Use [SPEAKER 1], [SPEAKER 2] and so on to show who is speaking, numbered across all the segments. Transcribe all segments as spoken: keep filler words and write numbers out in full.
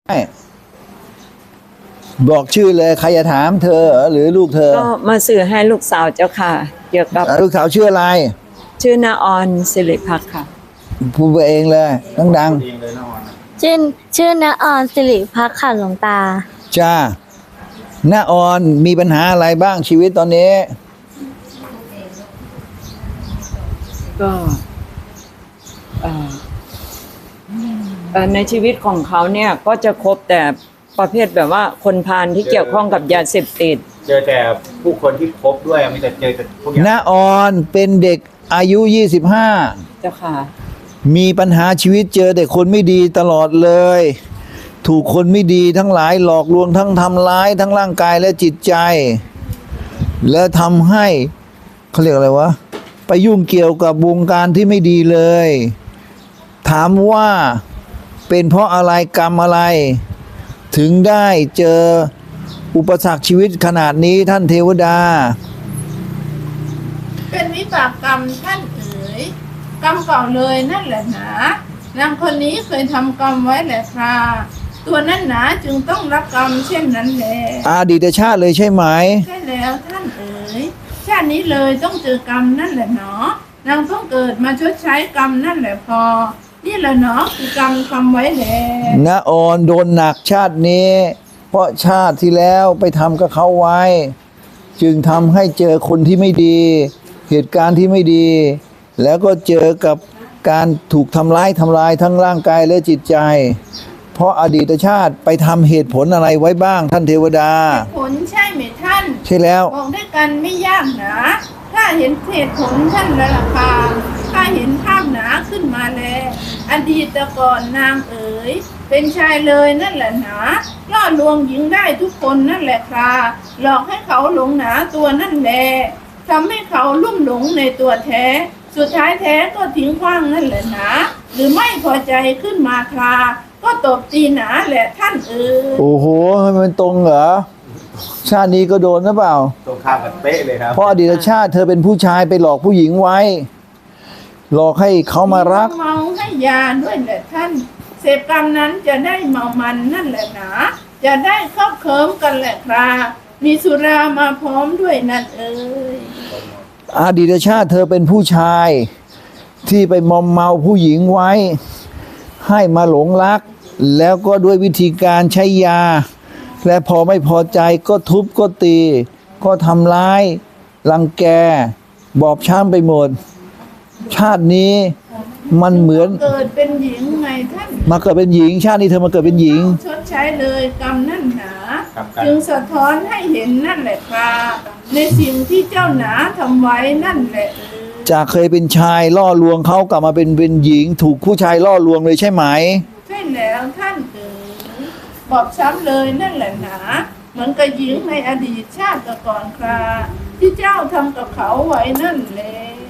[SPEAKER 1] บอกชื่อเลยใครจะถามเธอหรือลูกเธอ
[SPEAKER 2] ก็มาสื่อให้ลูกสาวเจ้าค่ะเกี่ยวกับ
[SPEAKER 1] ลูกสาวชื่ออะไร
[SPEAKER 2] ชื่อนาออนสิริพักค่ะ
[SPEAKER 1] พูดไปเองเลยดัง
[SPEAKER 3] ๆชื่อชื่อนาออนสิริพักค่ะหลวงตา
[SPEAKER 1] จ้านาออนมีปัญหาอะไรบ้างชีวิตตอนนี้
[SPEAKER 2] ก็ในชีวิตของเขาเนี่ยก็จะคบแต่ประเภทแบบว่าคนพาลที่เกี่ยวข้องกับยาเสพติด
[SPEAKER 4] เจอแต่ผู้คนที่คบด้วยมีแต่เจอแต่พวกนี้
[SPEAKER 1] นาออนเป็นเด็กอายุยี่สิบห้า
[SPEAKER 2] เจ้าค่ะ
[SPEAKER 1] มีปัญหาชีวิตเจอแต่คนไม่ดีตลอดเลยถูกคนไม่ดีทั้งหลายหลอกลวงทั้งทำร้ายทั้งร่างกายและจิตใจและทำให้เขาเรียกอะไรวะไปยุ่งเกี่ยวกับวงการที่ไม่ดีเลยถามว่าเป็นเพราะอะไรกรรมอะไรถึงได้เจออุปสรรคชีวิตขนาดนี้ท่านเทวดา
[SPEAKER 5] เป็นวิบากกรรมท่านเอ๋ยกรรมเก่าเลยนั่นแหละหนานางคนนี้เคยทำกรรมไว้แหละค่ะตัวนั้นหนาจึงต้องรับกรรมเช่นนั้นแหละ
[SPEAKER 1] อดีตชาติเลยใช่ไหม
[SPEAKER 5] ใช่แล้วท่านเอ๋ยชาตินี้เลยต้องเจอกรรมนั่นแหละเนาะนางต้องเกิดมาชดใช้กรรมนั่นแหละพอนี่แหละเนาะคือกรรมทำไว้แหละ
[SPEAKER 1] ณออนโดนหนักชาตินี้เพราะชาติที่แล้วไปทำกับเขาไว้จึงทำให้เจอคนที่ไม่ดีเหตุการณ์ที่ไม่ดีแล้วก็เจอกับการถูกทำร้ายทำลายทั้งร่างกายและจิตใจเพราะอดีตชาติไปทำเหตุผลอะไรไว้บ้างท่านเทวดา
[SPEAKER 5] เหตุผลใช่ไหมท่าน
[SPEAKER 1] ใช่แล้ว
[SPEAKER 5] บอกด้วยกันไม่ยากนะถ้าเห็นเหตุผลท่านละล่ะค่ะถ้าเห็นภาพหนาขึ้นมาแล้วอดีตก่อนนางเอ๋ยเป็นชายเลยนั่นแหละหนาล่อลวงหญิงได้ทุกคนนั่นแหละค่ะหลอกให้เขาหลงหนาตัวนั่นแหละทำให้เขาลุ่มหลงในตัวแท้สุดท้ายแท้ก็ทิ้งขว้างนั่นแหละหนาหรือไม่พอใจขึ้นมาค่ะก็ตบตีหนาแหละท่านเอ๋ย
[SPEAKER 1] โอ้โหมันตรงเหรอชาตินี้ก็โดนหรือเปล่า
[SPEAKER 4] ตรงข้ามกันเป๊ะเลยครับ
[SPEAKER 1] เพราะอดีตชาติเธอเป็นผู้ชายไปหลอกผู้หญิงไว้หลอกให้เขามารัก
[SPEAKER 5] เมาให้ยาด้วยแหละท่านเสพกรรมนั้นจะได้เมามันนั่นแหละหนาจะได้ครอบเคิมกันแหละครับมีสุรามาพร้อมด้วยนั่นเอ๋ย
[SPEAKER 1] อดีตชาติเธอเป็นผู้ชายที่ไปมอมเมาผู้หญิงไว้ให้มาหลงรักแล้วก็ด้วยวิธีการใช้ยาและพอไม่พอใจก็ทุบก็ตีก็ทำร้ายรังแกบอบช้ำไปหมดชาตินี้มันเหมือน
[SPEAKER 5] เกิดเป็นหญิงไงท่าน
[SPEAKER 1] มาเกิดเป็นหญิงชาตินี้เธอมาเกิดเป็นหญิง
[SPEAKER 5] ชดใช้เลยกรรมนั่นหนาจึงสะท้อนให้เห็นนั่นแหละครับในสิ่งที่เจ้าหนาทำไว้นั่นแหละ
[SPEAKER 1] จากเคยเป็นชายล่อลวงเขากลับมาเป็นเป็นหญิงถูกผู้ชายล่อลวงเลยใช่ไหม
[SPEAKER 5] ใช่แล้วท่านเอ๋ยบอบช้ำเลยนั่นแหละหนาเหมือนกับหญิงในอดีตชาติก่อนคราที่เจ้าทำกับเขาไว้นั่นแหละ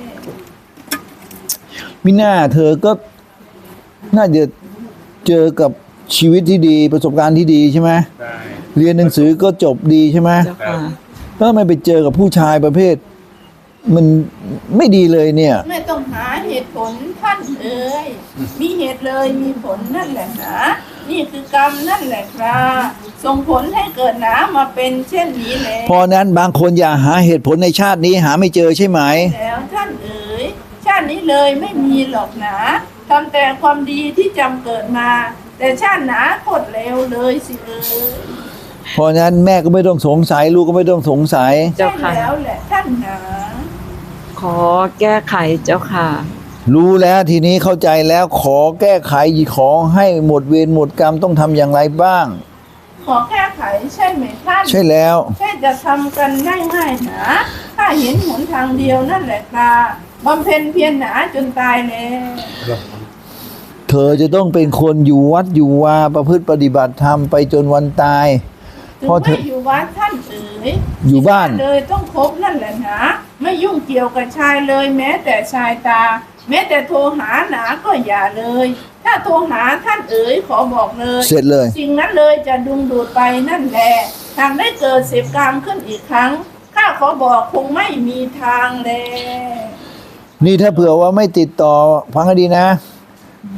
[SPEAKER 1] มิน่าเธอก็น่าจะเจอกับชีวิตที่ดีประสบการณ์ที่ดีใช่ไหมใช่เรียนหนังสือก็จบดีใช่ไหมแล้วไม่ไปเจอกับผู้ชายประเภทมันไม่ดีเลยเนี่ย
[SPEAKER 5] ไม่ต้องหาเหตุผลท่านเอ๋ยมีเหตุเลยมีผลนั่นแหละนะนี่คือกรรมนั่นแหละครับส่งผลให้เกิดหนามาเป็นเช่นนี้แหละ
[SPEAKER 1] พอนั้นบางคนอย่าหาเหตุผลในชาตินี้หาไม่เจอใช่ไหม
[SPEAKER 5] แล้วท่านเอ๋ยชาตินี้เลยไม่มีหรอกนะทำแต่ความดีที่จำเกิดมาแต่ชาติหนาโคตรเลวเลยสิเอ๋ย
[SPEAKER 1] เพราะนั้นแม่ก็ไม่ต้องสงสัยลูกก็ไม่ต้องสงสัย
[SPEAKER 5] ใช่แล้วแหละท่านหนา
[SPEAKER 2] ขอแก้ไขเจ้าค่ะ
[SPEAKER 1] รู้แล้วทีนี้เข้าใจแล้วขอแก้ไขขอให้หมดเวรหมดกรรมต้องทำอย่างไรบ้าง
[SPEAKER 5] ขอแก้ไขใช่ไหมท่าน
[SPEAKER 1] ใช่แล้ว
[SPEAKER 5] ใช่จะทำกันได้ง่ายหนาถ้าเห็นหนทางเดียวนั่นแหละค่ะบำเพ็ญเพียรหนาจนตายแล้ว
[SPEAKER 1] เธอจะต้องเป็นคนอยู่วัดอยู่วาประพฤติปฏิบัติธรรมไปจนวันตาย
[SPEAKER 5] เพราะเธออยู่วัดท่านเอ๋ย
[SPEAKER 1] อยู่บ้าน
[SPEAKER 5] เลยต้องคบนั่นแหละนะไม่ยุ่งเกี่ยวกับชายเลยแม้แต่ชายตาแม้แต่โทรหาหนาก็อย่าเลยถ้าโทรหาท่านเอ๋ยขอบอกเลย
[SPEAKER 1] เสร็จเลย
[SPEAKER 5] สิ่งนั้นเลยจะดึงดูดไปนั่นแหละทางได้เกิดเสพกรรมขึ้นอีกครั้งข้าขอบอกคงไม่มีทางเลย
[SPEAKER 1] นี่ถ้าเผื่อว่าไม่ติดต่อฟังให้ดีนะ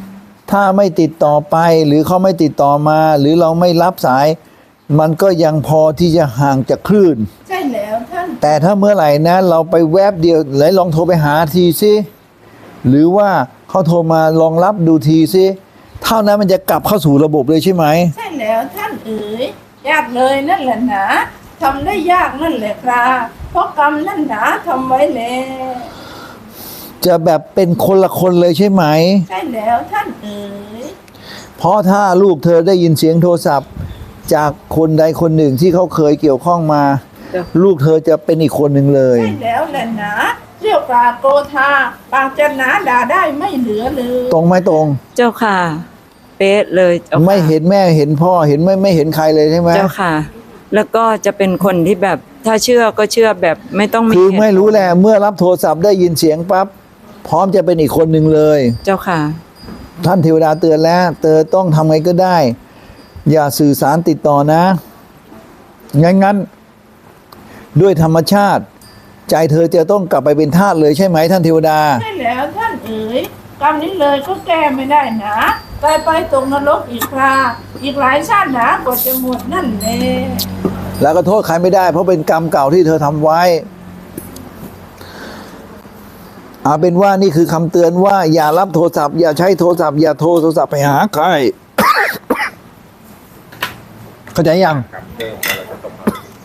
[SPEAKER 1] ถ้าไม่ติดต่อไปหรือเขาไม่ติดต่อมา หรือเราไม่รับสาย มันก็ยังพอที่จะห่างจากคลื่น
[SPEAKER 5] ใช่แล้วท่าน
[SPEAKER 1] แต่ถ้าเมื่อไหร่นะเราไปแวบเดียวไหนลองโทรไปหาทีสิหรือว่าเขาโทรมาลองรับดูทีสิเท่านั้นมันจะกลับเข้าสู่ระบบเลยใช่ไหม
[SPEAKER 5] ใช่แล้วท่านเอ๋ยยากเลยนั่นแหละหนาทำได้ยากนั่นแหละครับเพราะกรรมนั่นหนาทำไว้แล้ว
[SPEAKER 1] จะแบบเป็นคนละคนเลยใช่ไหม
[SPEAKER 5] ใช่แล้วท่านเอ๋ย
[SPEAKER 1] เพราะถ้าลูกเธอได้ยินเสียงโทรศัพท์ จากคนใดคนหนึ่งที่เขาเคยเกี่ยวข้องมา
[SPEAKER 2] จ้ะ
[SPEAKER 1] ลูกเธอจะเป็นอีกคนหนึ่งเลย
[SPEAKER 5] ใช่แล้วแหละหนาเรียกกราโกธาปากจะหนาด่าได้ไม่เหลือเลย
[SPEAKER 1] ตรงไหมตรง
[SPEAKER 2] เจ้าค่ะ เป๊ะเลยเจ้าค่ะ
[SPEAKER 1] ไม่เห็นแม่เห็นพ่อเห็นไม่ไม่เห็นใครเลยใช่ไหม
[SPEAKER 2] เจ้าค่ะ แล้วก็จะเป็นคนที่แบบถ้าเชื่อก็เชื่อแบบไม่ต้องมี
[SPEAKER 1] คือ
[SPEAKER 2] เหตุ
[SPEAKER 1] ไม่รู้แหละเมื่อรับโทรศัพท์ได้ยินเสียงปั๊บพร้อมจะเป็นอีกคนหนึ่งเลย
[SPEAKER 2] เจ้าค่ะ
[SPEAKER 1] ท่านเทวดาเตือนแล้วเธอต้องทำไงก็ได้ อย่าสื่อสารติดต่อนะงั้นงั้นด้วยธรรมชาติ ใจเธอจะต้องกลับไปเป็นทาสเลยใช่ไหมท่านเทวดา
[SPEAKER 5] ใช่แล้วท่านเอ๋ยกรรมนี้เลยก็แก้ไม่ได้นะตายไปตกนรกอีกคราอีกหลายชาติหนากว่าจะหมดนั่นแหละ
[SPEAKER 1] แล้วก็โทษใครไม่ได้เพราะเป็นกรรมเก่าที่เธอทำไว้เอาเป็นว่านี่คือคำเตือนว่าอย่ารับโทรศัพท์อย่าใช้โทรศัพท์อย่าโทรโทรศัพท์ไปหาใคร เข้าใจยัง
[SPEAKER 4] กับเรื่องของเราจะตก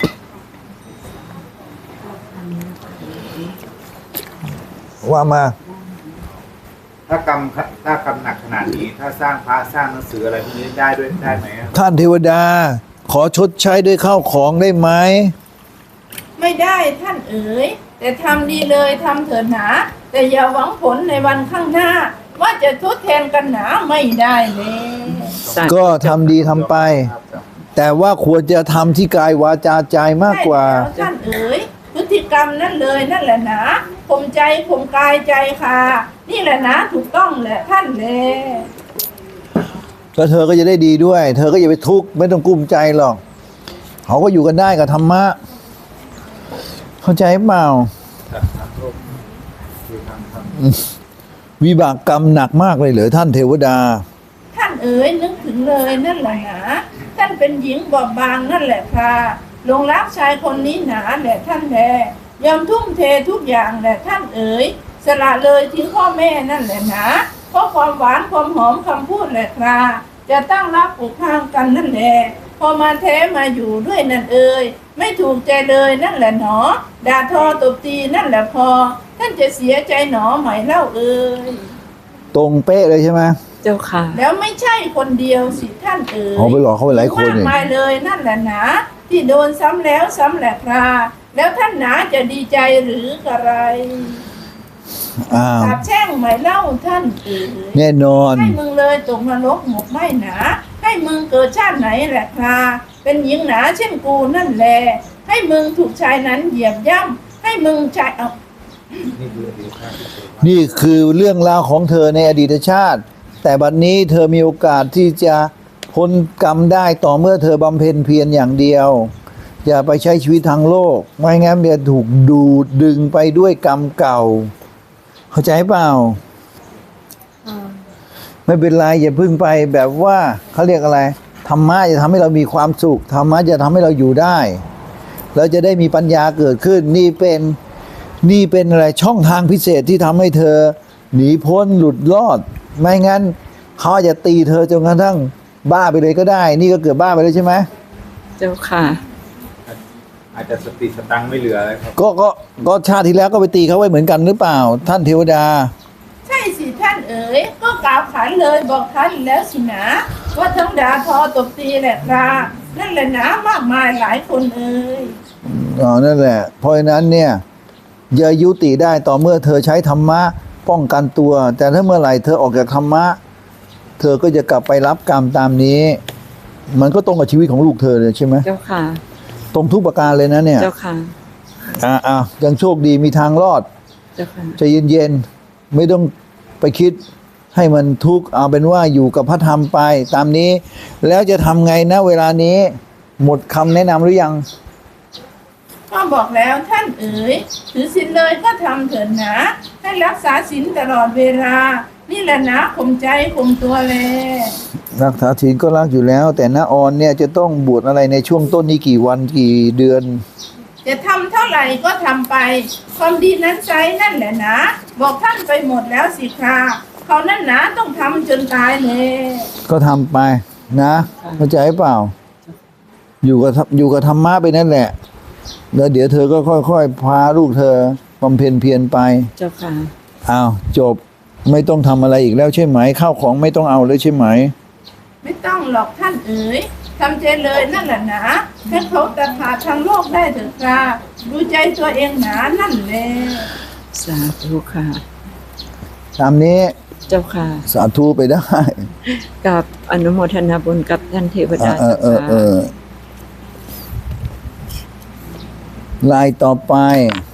[SPEAKER 1] ว่ามา
[SPEAKER 4] ถ้ากรรมถ้ากรรมหนักขนาดนี้ ถ้าสร้างพระสร้างหนังสืออะไรพวกนี้ได้ด้วยได้ไหมอะ
[SPEAKER 1] ท่านเทวดา ขอชดใช้ด้วยข้าวของได้ไหม
[SPEAKER 5] ไม่ได้ท่านเอ๋ยแต่ทำดีเลยทำเถิดหนาแต่อย่าหวังผลในวันข้างหน้า ว่าจะทดแทนกันหนาไม่ได้เลย
[SPEAKER 1] ก็ทำดีทำไป แต่ว่าควรจะทำที่กายวาจาใจมากกว่า
[SPEAKER 5] ใช่แล้วท่านเอ๋ยพฤติกรรมนั่นเลยนั่นแหละหนาผมใจผมกายใจค่ะ นี่แหละนะถูกต้องแหละท่านเลย
[SPEAKER 1] แล้วเธอก็จะได้ดีด้วย เธอก็อย่าไปทุกข์ไม่ต้องกุ้มใจหรอกเขาก็อยู่กันได้กับธรรมะ เข้าใจเปล่า
[SPEAKER 4] คือทำท
[SPEAKER 1] วิบากกรรมหนักมากเลยเหรอท่านเทวดา
[SPEAKER 5] ท่านเอ๋ยนึกถึงเลยนั่นแหละหนาท่านเป็นหญิงบอบบางนั่นแหละค่ะหลงรักชายคนนี้หนาแหละท่านแลยอมทุ่มเททุกอย่างแหละท่านเอ๋ยสละเลยทิ้งพ่อแม่นั่นแหละหนาเพราะความหวานความหอมคำพูดแหละค่ะจะตั้งรักผูกพันกันนั่นแหละพอมาแท้มาอยู่ด้วยนั่นเอ๋ยไม่ถูกใจเลยนั่นแหละหนอด่าทอตบตีนั่นแหละพอท่านจะเสียใจหนอไหมเล่าเอ๋ย
[SPEAKER 1] ตรงเป๊ะเลยใช่ไหม
[SPEAKER 2] เจ้าค่ะ
[SPEAKER 5] แล้วไม่ใช่คนเดียวสิท่านเอ๋ย
[SPEAKER 1] เอาไปหลอกเขาไปหลายคน
[SPEAKER 5] มาก
[SPEAKER 1] เนี่ย
[SPEAKER 5] มายเลยนั่นแหละหนะที่โดนซ้ำแล้วซ้ำแหละคราแล้วท่านหนาจะดีใจหรือกระไร
[SPEAKER 1] อ้าว
[SPEAKER 5] สาบแช่งไหมเล่าท่านเอ๋ย
[SPEAKER 1] แน่นอน
[SPEAKER 5] ให้มึงเลยตกนรกหมกไหมหนาให้มึงเกิดชาติไหนแหละคราเป็นหญิงหนาเช่นกูนั่นแหละให้มึงถูกชายนั้นเหยียบย่ำให้มึงชายเอา
[SPEAKER 4] ำนี่คืออดีตชาติที่เคยว่า
[SPEAKER 1] นี่คือเรื่องราวของเธอในอดีตชาติ แต่บัดนนี้เธอมีโอกาสที่จะพ้นกรรมได้ต่อเมื่อเธอบำเพ็ญเพียรอย่างเดียว อย่าไปใช้ชีวิตทางโลก ไม่งั้นจะถูกดูดดึงไปด้วยกรรมเก่า เข้าใจเปล่า ไม่เป็นไรอย่าพึ่งไปแบบว่าเขาเรียกอะไรธรรมะจะทำให้เรามีความสุขธรรมะจะทำให้เราอยู่ได้เราจะได้มีปัญญาเกิดขึ้น นี่เป็นนี่เป็นอะไรช่องทางพิเศษที่ทำให้เธอ หนีพ้นหลุดรอด ไม่งั้นเขาอาจจะตีเธอจนกระทั่งบ้าไปเลยก็ได้ นี่ก็เกือบบ้าไปแล้วใช่ไหม
[SPEAKER 2] เจ้าค่ะ
[SPEAKER 4] อาจจะสติสตังค์ไม่เหลือเลยครับ
[SPEAKER 1] ก็ก็ก็ชาติที่แล้วก็ไปตีเขาไว้เหมือนกันหรือเปล่า ท่านเทวดา
[SPEAKER 5] ใช่สิท่านเอ๋ยก็กล่าวขานเลยบอกท่านแล้วสินะว่าทั้งด่าทอตบตีแหละครานั่นแหละนะมากมายหลายคนเอ๋ย
[SPEAKER 1] อ๋อนั่นแหละ เพราะฉะนั้นเนี่ยอย่ายุติได้ต่อเมื่อเธอใช้ธรรมะป้องกันตัว แต่ถ้าเมื่อไหร่เธอออกจากธรรมะ เธอก็จะกลับไปรับกรรมตามนี้ มันก็ตรงกับชีวิตของลูกเธอเลยใช่ไหม
[SPEAKER 2] เจ้าค่ะ
[SPEAKER 1] ตรงทุกประการเลยนะเนี่ย
[SPEAKER 2] เจ้าค่ะ
[SPEAKER 1] อ่าอ่ายังโชคดีมีทางรอด
[SPEAKER 2] เจ้าค่ะ
[SPEAKER 1] ใจเย็นๆไม่ต้องไปคิดให้มันทุกข์เอาเป็นว่าอยู่กับพระธรรมไปตามนี้ แล้วจะทำไงนะเวลานี้ หมดคำแนะนำหรือยัง
[SPEAKER 5] ก็บอกแล้วท่านเอ๋ยถือศีลเลยก็ทำเถิดนะให้รักษาศีลตลอดเวลานี่แหละนะข่มใจข่มตัวแล
[SPEAKER 1] รักษาศีลก็รักอยู่แล้ว แต่น้าออนเนี่ยจะต้องบวชอะไรในช่วงต้นนี้กี่วันกี่เดือน
[SPEAKER 5] จะทำเท่าไหร่ก็ทำไป ความดีนั้นใช้นั่นแหละนะบอกท่านไปหมดแล้วสิค่ะเขานั่นนะต้องทำจนตายเลย
[SPEAKER 1] ก็ทำไปนะเข้าใจเปล่า อยู่กับอยู่กับธรรมะไปนั่นแหละ แล้วเดี๋ยวเธอก็ค่อยๆพาลูกเธอบำเพ็ญเพียรไป
[SPEAKER 2] เจ้าค่ะ
[SPEAKER 1] อ้าวจบไม่ต้องทำอะไรอีกแล้วใช่ไหมข้าวของไม่ต้องเอาเลยใช่ไหม
[SPEAKER 5] ไม่ต้องหรอกท่านเอ๋ยทำใจเลยนั่นแหละนะแค่เขาตัดขาดทางโลกได้เถอะค่ะดูใจตัวเองหนานั่นแหละ
[SPEAKER 2] สาธุค่ะ
[SPEAKER 1] ตามนี้
[SPEAKER 2] เจ้าค่ะ
[SPEAKER 1] สาธุไปได้
[SPEAKER 2] กับอนุโมทนาบุญกับท่านเทวดา
[SPEAKER 1] เออเออเอ
[SPEAKER 2] เจ้าค่ะ
[SPEAKER 1] อลายต่อไป